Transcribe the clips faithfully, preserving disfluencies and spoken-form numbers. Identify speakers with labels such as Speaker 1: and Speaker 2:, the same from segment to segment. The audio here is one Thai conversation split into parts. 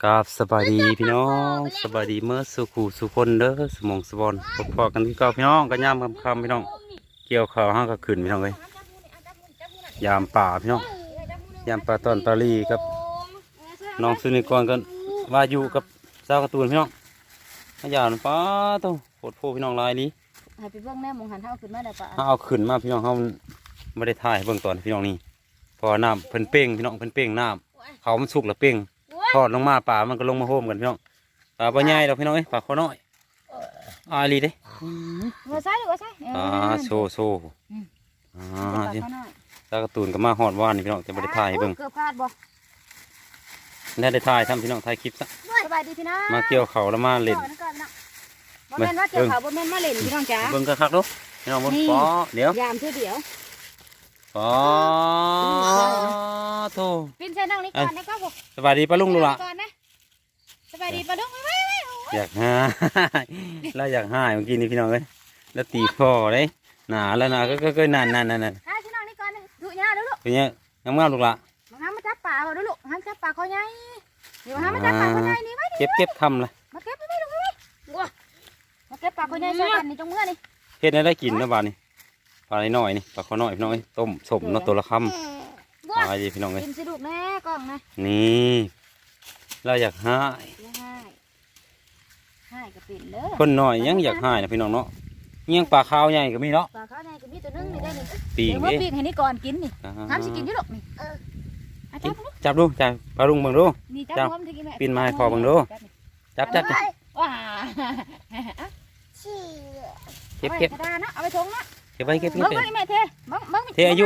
Speaker 1: กับสบายดีพี่น้องสบายดีเมื่อสุขูสุคนเด้อสมองสบอนพบพอกันที่เก่าพี่น้องก็ย่ามคำคำพี่น้องเกี่ยวข้าวห้างก็ขึ้นพี่น้องเลยยามป่าพี่น้องยามป่าตอนปารีกับน้องสุนิกรกันว่าอยู่กับเจ้าการ์ตูนพี่น้องพยานป้าโตโคตรโพพี่น้องลายนี้
Speaker 2: ให้ไปเบิ่งแม่มองหันเท้าขึ้นมาได้ปะ
Speaker 1: ถ้าเอาขึ้นมาพี่น้องเขาไม่ได้ถ่ายเบื้องตอนพี่น้องนี่พอน้ำเพิ่นเป้งพี่น้องเพิ่นเป้งน้ำเขามันสุกแล้วเป้งทอดลงมาป่ามันก็ลงมาโฮมกันพี่น้องป่าปลาใหญ่เราพี่น้องเอ้ยป่าข้อน้อยอาลีเด้
Speaker 2: หัวใส่หรือหัวใส่
Speaker 1: อ่าโซโซอ่าตาการ์ตูนก็มาหอดว่านนี่พี่น้องจะไม่ได้ถ่ายเบิ่ง
Speaker 2: เกือบพลาดบ่
Speaker 1: ได้ได้ถ่ายทำพี่น้องถ่ายคลิปซะ
Speaker 2: สบายดีพี่น้อง
Speaker 1: มาเกี่ยวเขาแล้วมาเล่น
Speaker 2: บ่แม่นว่าเกี่ยวเขาบ่แม่นมาเล่นพี่น้องจ๋า
Speaker 1: เบิ่งกันคักดูพี่น้องเบิ่งป๋อเดี๋ยวย
Speaker 2: ามเท่าเดียว
Speaker 1: ป๋อโธ่
Speaker 2: ปิ้นใส่นั่งนี่ก่อนนะก็บ่
Speaker 1: สบายดีป้าลุงลูกล่ะ
Speaker 2: ก่อนนะสบายดีปะลุงไว้
Speaker 1: อยากหายแล้วอยากหายเมื่อกี้นี่พี่น้องเอ้ยแล้วตีคอเลยหนาแล้วนะก็ก็ก็นั่นนั่นนั่นนั่น
Speaker 2: หาพี่น้องนี่ก่อนนะดูยาดูลูก
Speaker 1: เป็นเงี้ยงามๆลูกละ
Speaker 2: มาหามาจับปลาเอาดูลูกหาจับปลาคอใหญ่เดี๋ยวหามาจับปลาคอใหญ่นี่ไว้
Speaker 1: เก็บเก็บคำละ
Speaker 2: มาเก็บไปลูกไว้มาเก็บปลาคอใหญ่ใส่กันนี่จงเมื่อนี่
Speaker 1: เฮ็ดให้ได้กินนะบ้านนี่ปลาหน่อยนี่ปลาข้อน้อยพี่น้องเอ้ยต้มสมเนาะตัวละคำปลาดีพี่น้องเอ้ย
Speaker 2: กินสิลูกแม่กล้องนะ
Speaker 1: นี่เราอยากหาย
Speaker 2: อย่าให้ให้ก็เป็นเด้อ
Speaker 1: คนน้อยยังอยากหายนะพี่น้องเนาะเงี้ยงปลาขาวใหญ่ก็มีเนาะ
Speaker 2: ปลาเขาเนี่ยก็มีตัวนึงนี่ได้นี่
Speaker 1: ปีก
Speaker 2: เดี๋ยวว่า
Speaker 1: เด้
Speaker 2: ปีกให้นี่ก่อนกินนี่
Speaker 1: อ่า
Speaker 2: ทำสิกินอยี่หรอกนี่เอออา
Speaker 1: กิ
Speaker 2: จั
Speaker 1: น
Speaker 2: บลูก
Speaker 1: จับดูจับปลาลุงเบิ่งดู
Speaker 2: นี่จับ
Speaker 1: จับ
Speaker 2: พร้อมที่กินแม่
Speaker 1: ปีนมาให้คอเบิ่งดู จับจับจับ
Speaker 2: ว้า
Speaker 1: เก็บเก็บ
Speaker 2: กระดาษนะเอาไปทงนะ
Speaker 1: เก็บไว้เก็บ
Speaker 2: เบิ้
Speaker 1: เก็
Speaker 2: ง
Speaker 1: บ
Speaker 2: เบิ้งแม่เทเบิ้งเบิ้ง
Speaker 1: เทอายุ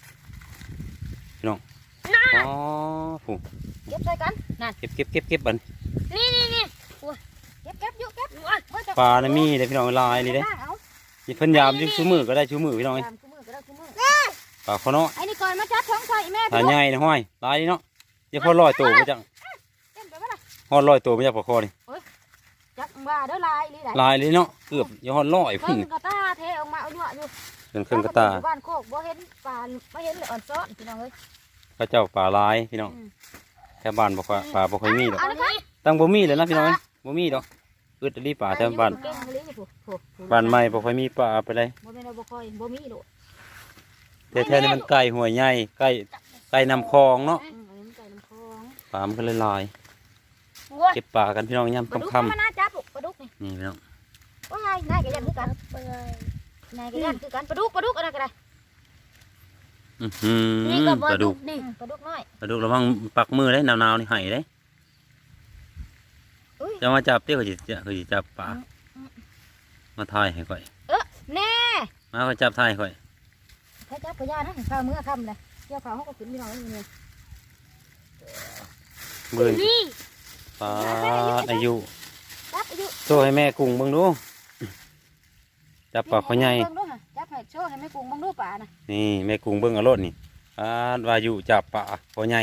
Speaker 1: อ๋อผู
Speaker 2: เก็บใส่กันนั่น
Speaker 1: เก็บเก็บเก็บเก็บบัน
Speaker 2: นี่นี่นี่เก็บเก็บอยู่เก็บ
Speaker 1: ปลาเนี่ยมีเลยพี่น้องลายนี่เด้
Speaker 2: เอา
Speaker 1: นี่เพิ่นยามยิ่งชูมือก็ได้ชูมือพี่น้องเอ้ย
Speaker 2: ตามคู่มือก็ได้คู่มือ
Speaker 1: ปลาข้อน้อย
Speaker 2: ไอ้นี่ก่อนมาจับท้องใส่แม่
Speaker 1: ปลาใหญ่นะห้อยลายนี่เนาะอย่าพอลอยตัวมาจัง
Speaker 2: เต็มไปบ่ล่ะ
Speaker 1: ฮอดลอยตัวมาจากปลาคอนี่
Speaker 2: จับว่าเด้อลายนี่ได้
Speaker 1: ลายเลยเนาะเกือบอย่าฮอดลอย
Speaker 2: เพิ่
Speaker 1: พุ่น
Speaker 2: งกระตาเทออกมาเอาหยวอยู่
Speaker 1: เป็นเครื่องกระตา
Speaker 2: บ้านโคกบ่เห็นปลาบ่เห็นเลยอ่อนซ้อนพี่น้องเอ้ย
Speaker 1: พระเจ้าปลาลายพี่น้องแถวบ้านบ่ค่อยปลาบ่ค่อยมีดอก
Speaker 2: เอาละค่ะ
Speaker 1: ตั้งบ่มีเลยนะพี่น้องเอ้ยบ่มีดอกอึดอีหลีปลาแถวบ้าน
Speaker 2: เก่งเลยนี่ผู้ผู้ผู้
Speaker 1: บ้านใหม่บ่ค่อยมีปลาไปเลย
Speaker 2: บ่แม่นว่าบ่ค่อยบ่มีโลด
Speaker 1: แต่แท้นี่มันใกล้ห้วยใหญ่ใกล้ใกล้น้ำคลองเนาะ
Speaker 2: อืมอันนี้มันไก่น้ำคลอง
Speaker 1: ปลามันก็เลยลาย
Speaker 2: วัว
Speaker 1: เก็บปลากันพี่น้องยาม
Speaker 2: ปลาดุก
Speaker 1: ค่ำ
Speaker 2: มันน่าจับลูกปลาดุกนี่
Speaker 1: ๆนี่พี่น้อง
Speaker 2: ว่าไงนายก็ยันคือกันนายก็ยันคือกันปลาดุกปลาดุกอะไรก็ได้
Speaker 1: อื้อหือ
Speaker 2: นี่ก็
Speaker 1: ปลาดุก
Speaker 2: นี่ปลาดุกน้อย
Speaker 1: ปลาดุกระวังปักมือเลยหนาวๆนี่ไห้เลย
Speaker 2: อุ้ย
Speaker 1: จะมาจับเตี้ยเขาจะเขาจะจับปลามาถ่ายให้ก่อย
Speaker 2: เออแน่
Speaker 1: มาเขาจับถ่ายให้ก่อย
Speaker 2: ถ้าจับปลาย่านะข้าวมื้อค่ำเลยเกี่ยวข้าวเขาก็ขึ้นพี่น้องนี่นี่
Speaker 1: เบิ่งปลาอายุ
Speaker 2: จับอายุ
Speaker 1: โชว์ให้แม่กุ้งเบิ่งดูจับปลาเขาใหญ่
Speaker 2: เบิ่งดูค่ะจับให้โชว์ให้แม่กุ้งเบิ่งดูปลานะ
Speaker 1: นี่แม่กุ้งเบิ่งเอารถนี่ปลาวายุจับปลาเขาใหญ่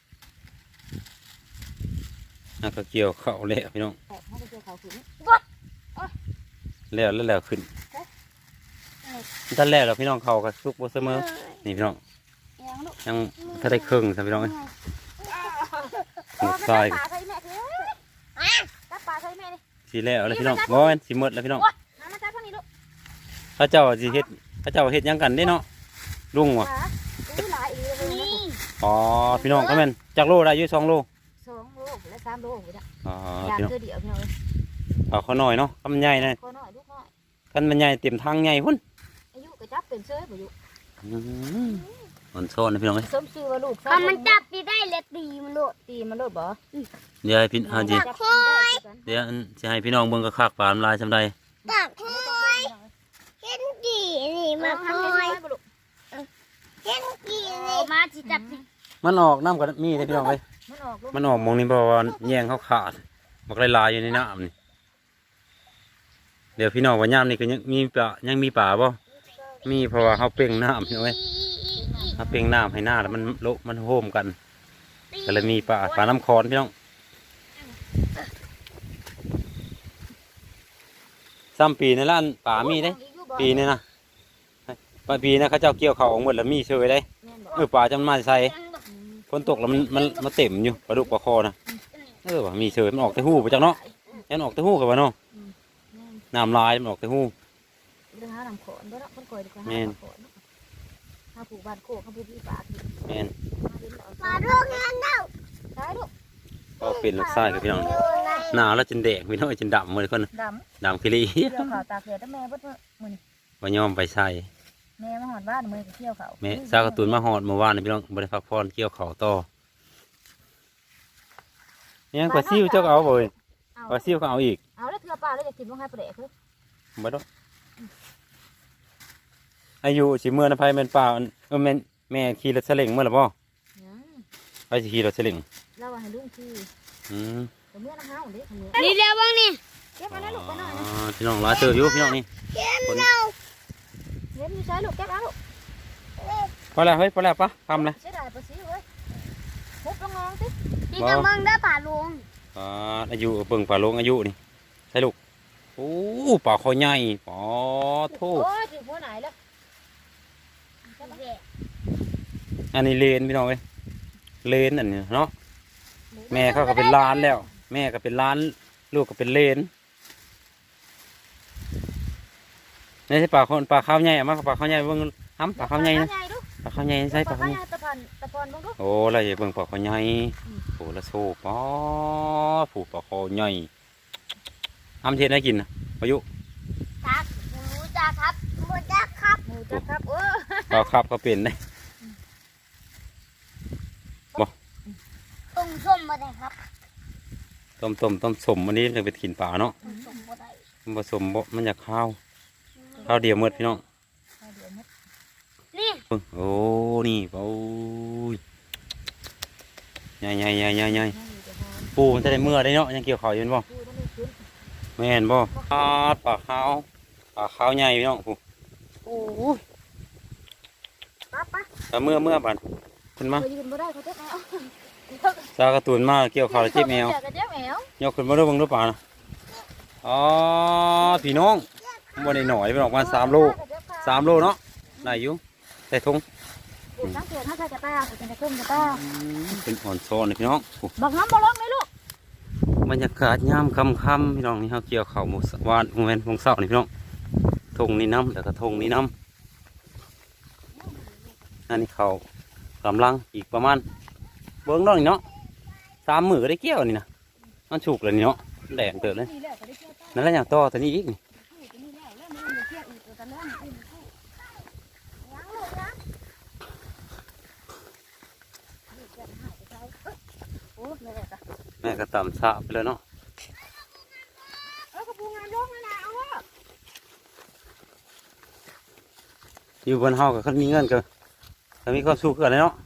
Speaker 1: น่าก็เกี่ยวเข้าแล้วพี่น้อง
Speaker 2: แต่เขาก็เกี่ยวข้าวขึ้น
Speaker 1: แล้วแล้วแล้วขึ้นท่านแรกแล้วพี่น้องเขาก็สุกบ่เสมอนี่พี่น้อง
Speaker 2: ยังลูก
Speaker 1: ยังถ้าได้ครึ่งซะพี่น้องเอ้ยลูกชาย
Speaker 2: ปลาใส่แม่คือจับปลาใส่แม่นี่
Speaker 1: สิแล้วแล้วพี่น้องบ่แม่นสิหมดแล้วพี่น้อง
Speaker 2: หามาจับพวกนี้ลูก
Speaker 1: พระเจ้าสิเฮ็ดพระเจ้าเฮ็ดหยังกันเด้เนาะลุง
Speaker 2: ป
Speaker 1: ว่ะ
Speaker 2: ลาอุ้ยหลายอีกเลยนะ
Speaker 1: อ๋อพี่น้องก็แม่นจักโลได้อยู่สองโล
Speaker 2: สองโลและสามโลไปจ้ะ
Speaker 1: อ๋อย
Speaker 2: าม
Speaker 1: พี่น้อง
Speaker 2: เธอเดียวพี่น้อง
Speaker 1: เอาเขาหน่อยเนาะคำใหญ่นะ
Speaker 2: ขอหน่อยลูกหน่อย
Speaker 1: คันมันใหญ่เต็มทางใหญ่พุ่น
Speaker 2: อายุก็จับเป็นเสื้อบ่อยู่
Speaker 1: อืมอ่อนโซนนะพี่น้องเอ้ย
Speaker 2: สมชื่อว่าลูก
Speaker 3: ถ้ามันจับดีได้เลยตีมันโลด
Speaker 2: ตีมันโลดบ่
Speaker 1: เดี๋ยวให้พี่ฮาจิ
Speaker 2: จับได้คือกัน
Speaker 1: เดี๋ยวอันสิให้พี่น้องเบิ่งกระคักปลาน้ำลายซำใด
Speaker 3: ตักคอยเห็นดีนี่มาคอยเห็นดีนี่มาจิจับสิ
Speaker 1: มันออกน้ำกับมีได้พี่น้องเอ้ย
Speaker 2: มันออกลูก
Speaker 1: มันออกหมองนี้เพราะว่าแยงเขาขาดมันก็เลยลายอยู่ในน้ำนี่เดี๋ยวพี่น้องว่ายามนี่ก็ยังมีปลายังมีปลาบ่มีเพราะว่าเขาเป่งน้ำพี่น้องเอ้ยเขาเป่งน้ำให้หน้าแล้วมันโละมันโฮมกันก็เลยมีปลาปลาน้ำคอนพี่น้องซ้ำปีในร้านป่ามีได้ปีนี่นะปลาปีนะเขาเจ้าเกี่ยวเขาออกหมดแล้วมีเชื่อได้เออปลาจำมาใส่ฝนตกแล้วมันมันมาเต็มอยู่ปลาดุกปลาคอนะเออว่ะมีเฉยมันออกแต่หูไปจังเนาะยันออกแต่หูกับว่าเนาะน้ำลายมันออกแต่หู
Speaker 2: เรื่องหาหนังขอนด้วยเนาะคนก่อยดีกว่า
Speaker 1: แม่น
Speaker 2: หาผูกบ้านโคกหาผูกพี่ปาก
Speaker 1: แม่น
Speaker 3: ปลาลูกงานเน่า
Speaker 2: ได้ลูก
Speaker 1: ก็เป็นลูกชายกับพี่น้องหนาวแล้วจนแดงพี่น้องจนดำหมดเลยคน
Speaker 2: ด
Speaker 1: ดำกิริ
Speaker 2: ำเที่ยวเขาตากแดดแล้วแม่เบิดมื้อนี้
Speaker 1: ว่ยอมไปใส่
Speaker 2: แม่มาหอดบ้านมื้อนี้เที่ยวเขา
Speaker 1: แม่ซากระตุนมาหอดเมื่อวานนี่พี่น้องบริพักพรเกี่ยวเขาต่อยังปลาซิวเจ้าก็เอาบ่อยปลาซิวก็เอาอีก
Speaker 2: เอาแล้วเทือปลาแล้วจะกินลงให้ปลาแดกคือ
Speaker 1: บ่ดอกอายุสิเมื่อนะไผแม่นป่าเออแม่นแม่ขี่รถเสลิงเมื่อหรือบ่
Speaker 2: ยัง
Speaker 1: ไปสิขี่รถเสลิง
Speaker 2: เราว่าให้ลุงขี่
Speaker 1: อืม
Speaker 2: แต่เมื่อน้ำเฮาเด้อมื้อ
Speaker 3: นี่เดียวบ้างนี่
Speaker 2: เก็บมาแล้วลูกไปหน่อย
Speaker 1: อ๋
Speaker 2: นะ
Speaker 1: อพี่น้องหลายเติบอยู่พี่น้องนี่
Speaker 3: เก็บเน่า
Speaker 2: เก็บมีใช้ลูกเก็บเอาลูก
Speaker 1: พอแล้วเฮ้ยพอแล้วปะทำเลย
Speaker 2: เสียดายปลาซิวเว้ยมุกลงงองสิ
Speaker 3: พี่กำลังได้ป่าลุง
Speaker 1: อ่าอายุเบิ่งป่าลงอายุนี่ใช่ลูกโอ้ป่าคอใหญ่ปอโท
Speaker 2: โอ้ยถึงหัวไหนแล้ว
Speaker 1: อันนี้เลนพี่น้องเอ้ยเลนอันนี้เนาะแม่เขาก็เป็นล้านแล้ว แม่ก็เป็นล้านลูกก็เป็นเลนนี่ใช่ป่าคนป่าข้าวใหญ่อะมาป่าข้าวใหญ่เบิ่งห้ำป่าข้าวใหญ่นะป่าข้าวใหญ่ใช่ป่าข้าวใหญ่
Speaker 2: ตะพันตะพอนบ้างลูก
Speaker 1: โอ้อะไรเบิ่งป่าข้าวใหญ่โอ้ละโซ่ปอผูป่าข้าวใหญ่ห้ำเทศได้กินนะอายุ
Speaker 3: ครับหมูจ้าครับหมูจ้าครับ
Speaker 2: หมูจับครับโอ้
Speaker 1: ป่าครับก็เป็นได้
Speaker 3: ต้มส้มมาได้ครับ
Speaker 1: ต้มต้มต้มสมอันนี้เลยเป็นขินป่าเนาะ
Speaker 3: ต้มส้มมาได้
Speaker 1: มันผสมบ่มันอยากข้าวข้าวเดียวหมดพี่น้อง
Speaker 3: นี่
Speaker 1: เบิ่งโอ้นี่โอ้ยใหญ่ใหญ่ใหญ่ใหญ่ใหญ่ปูมันจะได้เมื่อได้เนาะยังเกี่ยวข้าวอยู่บ่แม่นบ่ปลาปลาขาวปลาขาวใหญ่พี่น้องปูโอ้ย
Speaker 2: ป้าป้า
Speaker 1: แต่เมื่อเมื่อบัดขึ้นมา
Speaker 2: เคยยืนบ่ได้เขาเจ็บแมว
Speaker 1: ซากระตุนมาเกี่ยวข้าวแล้วเจ็บแมว
Speaker 2: เจ็บแมวย
Speaker 1: กขึ้นมาดูเบิ่งดูปลานะอ๋อพี่น้องบ่ได้หน่อยพี่น้องประมาณสามโลสามโลเนาะได้อยู่ใส่ถุง
Speaker 2: ปูสังเกตถ้าใส่กระต้าปูจะขึ้นกระต้า
Speaker 1: เป็นอ่อนซ้อนเลยพี่น้องโอ้
Speaker 2: บักน้ำบ่ลงเลยลูก
Speaker 1: บรรยากาศยามค่ำๆพี่น้องนี่เขาเกี่ยวข้าวหมูสวานหมูแมนหมูเสานี่พี่น้องทงนี่น้ำแล้วก็ทงนี่น้ำอันนี้เขากำลังอีกประมาณเบิ้งน้องนี่เนาะสามมือก็ได้เกี่ยวนี่นะมันฉุกเลยนี่เนาะแดงเติบเลยนั่นแหละอย่างต่อตัวนี้อีกนี่แม่ก็ตำสะไปเลยเนาะ
Speaker 2: เออกระปูงานลงเลยนะเอาว่า
Speaker 1: อยู่บนเฮากับเขามีเงินก็ก็มีความสุขกันเลยเนาะ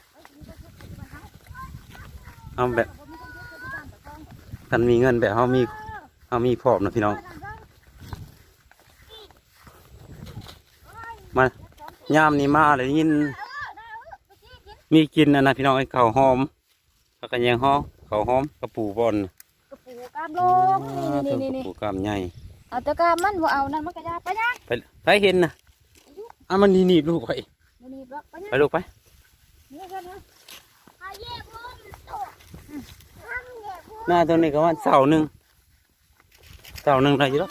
Speaker 1: เอาแบบกันมีเงินแบบเฮามีเฮามีพร้อมนะพี่น้องมายามนี้มาเลยยินมีกินนะนะพี่น้องไอ้ข้าวหอมแล้วก็แยงหอมข้าวหอมกระปูบอน
Speaker 2: กระปูกามลงนี่นี่นี่
Speaker 1: กระปูกามใหญ่
Speaker 2: เอาตะกามมันบ่เอานั่นมันกระยาไปยัง
Speaker 1: ไปไปเห็นนะอ่ะมันหนีบลูกไป
Speaker 2: นี่นี่บ่ไปยัง
Speaker 1: ไปลูกไป
Speaker 2: นี่กันนะ
Speaker 3: เอาเย่บุ้มตัวทำเย่บุ้ม
Speaker 1: หน้าตรงนี้ก็ว่าเสาหนึ่งเสาหนึ่งได้อยู่แล้ว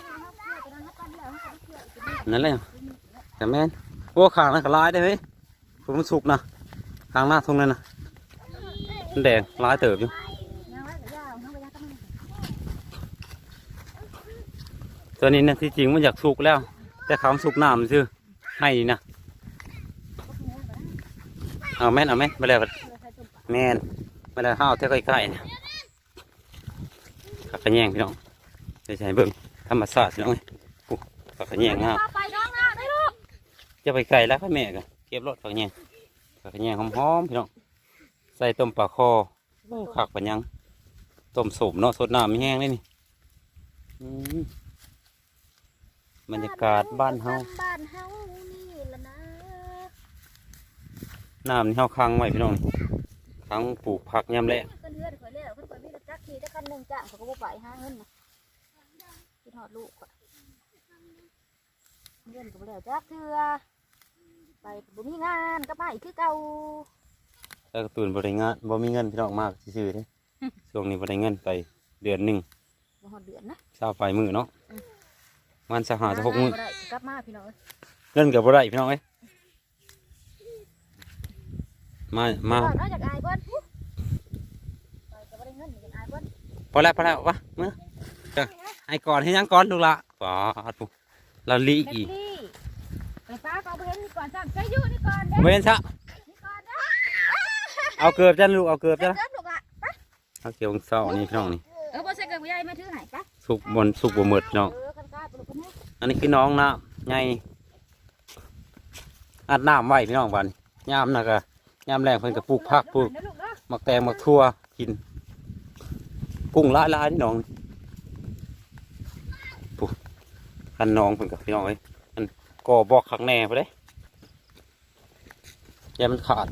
Speaker 1: นั่นแหละแต่แม่นโอ้ขางนั่นก็ลายได้เฮ้ยผมมันสุกนะขางหน้าตรงนั้นนะมันแดงลายเติบอยู่
Speaker 2: ยังไว้กระยาเอากระยาต้อง
Speaker 1: ตัวนี้นะที่จริงมันอยากสุกแล้ว แต่เขาสุกน้ำซื่อให้นะเอาแม่นเอาแม่นมาแล้วแม่นมาแล้วห้าวเท่าใกล้ๆเนี่ยขักกระแยงพี่น้องใช่ใช่เบิ่งธรรมศาสตร์พี่น้องเอ้ยปุ๊ขักกระแยงงาม
Speaker 2: ไปน้องนะได้ลูก
Speaker 1: จะไปไกลแล้วพ่อแม่กันเก็บรถขักกระแยงขักกระแยงหอมๆพี่น้องใส่ต้มปลาคอโอ้ขักปัญญังต้มสุบเนาะสดน้ำไม่แห้งเลยนี่อืมบรรยากาศบ้านเฮา
Speaker 2: บ้านเฮานี่ละนะ
Speaker 1: น้ำนี่เฮาค้างไว้พี่น้องค้างปลูกผักยามแลง
Speaker 2: เพิ่นเฮือดข่อยแล้วเพิ่นข่อยมีรถจักรขี่ได้คันหนึงจ้ะเขาก็บ่ไปหาเงินน่ะคิดฮอดลูกข่อยเงินก็บ่แล้วจักเทื่อไปบ่มีงานก็ไปคือเก่า
Speaker 1: แล้วก็ตื่นบริงานบ่มีเงินพี่น้องมากซื่อๆเด้ช่วงนี้บ่ได้เงินไปเดือนหนึ่ง
Speaker 2: บ่ฮอดเดือนนะ
Speaker 1: เช้าไปมือเนาะมันจะหาจะหกมือ
Speaker 2: บ่ได้กลับมาพี่น้องเอ้ย
Speaker 1: เงินกับบ่ได้พี่น้องเอ้ยมามา
Speaker 2: ก่อนเนาะจากอายเพิ่นไปก็บ่ได้เงินจากอายเพิ่น
Speaker 1: พอแล้วพอแล้ววะเมื่อเจ้าให้ก่อนให้ยังก่อนลูกละป๋าปุ๊เราลี
Speaker 2: แม็
Speaker 1: อีก
Speaker 2: กลี่ไปฟ้าก็เอาไปเห็นนี่ก่อนซ้ำใส่อยู่นี่ก่อนเด้
Speaker 1: เว้นซะ
Speaker 2: นี่ก่อนเด้
Speaker 1: เอาเกือบจ้ะลูกเอาเกือบ
Speaker 2: เกิ
Speaker 1: จ้ะ
Speaker 2: ดลูกอ่ะไป
Speaker 1: เอาเกี่ยวกับเศร้านี่พี่น้องนี่
Speaker 2: เออบ่ใส่เกิดบ่ใหญ่มาถือให้ไป
Speaker 1: สุกบนสุกบนหมดพี่น้อง
Speaker 2: เออกันกล้าไปลูกกันนะ
Speaker 1: อันนี้คือน้องนะไงอัดน้ำไว้พี่น้องบันยามนะก็ยามแรงเพิ่นก็ปลูกผักปลูก
Speaker 2: เดี๋ยวลูกเด้อ
Speaker 1: มักแตงมักทั่วกินกุ้งละลายนี่น้องปุ๊คันน้องเพิ่นกับพี่น้องเอ้ยมันก่อบอกขักแหน่ไปเลยอย่ามันขาด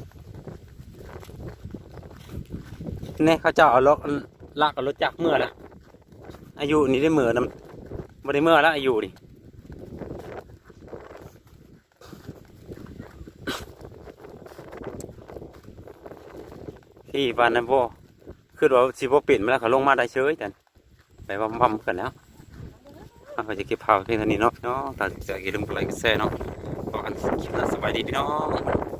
Speaker 1: เนี่ยเขาเจ้าเอาล็อกลากกับรถจักรเมื่อละอายุนี่ได้เมื่อนำไม่ได้เมื่อแล้วอายุนี่ที่บ้านนั้นบ่คือว่าสิบ่ปิดมาแล้วเขาลงมาได้เฉยแต่ไปว่าบัมกันแล้วเขาจะเก็บผ้าเพียงเท่านี้เนาะพี่น้องถ้าจะอย่าลืมกดไลค์กดแชร์เนาะขอกันคลิปหน้าสบายดีพี่น้อง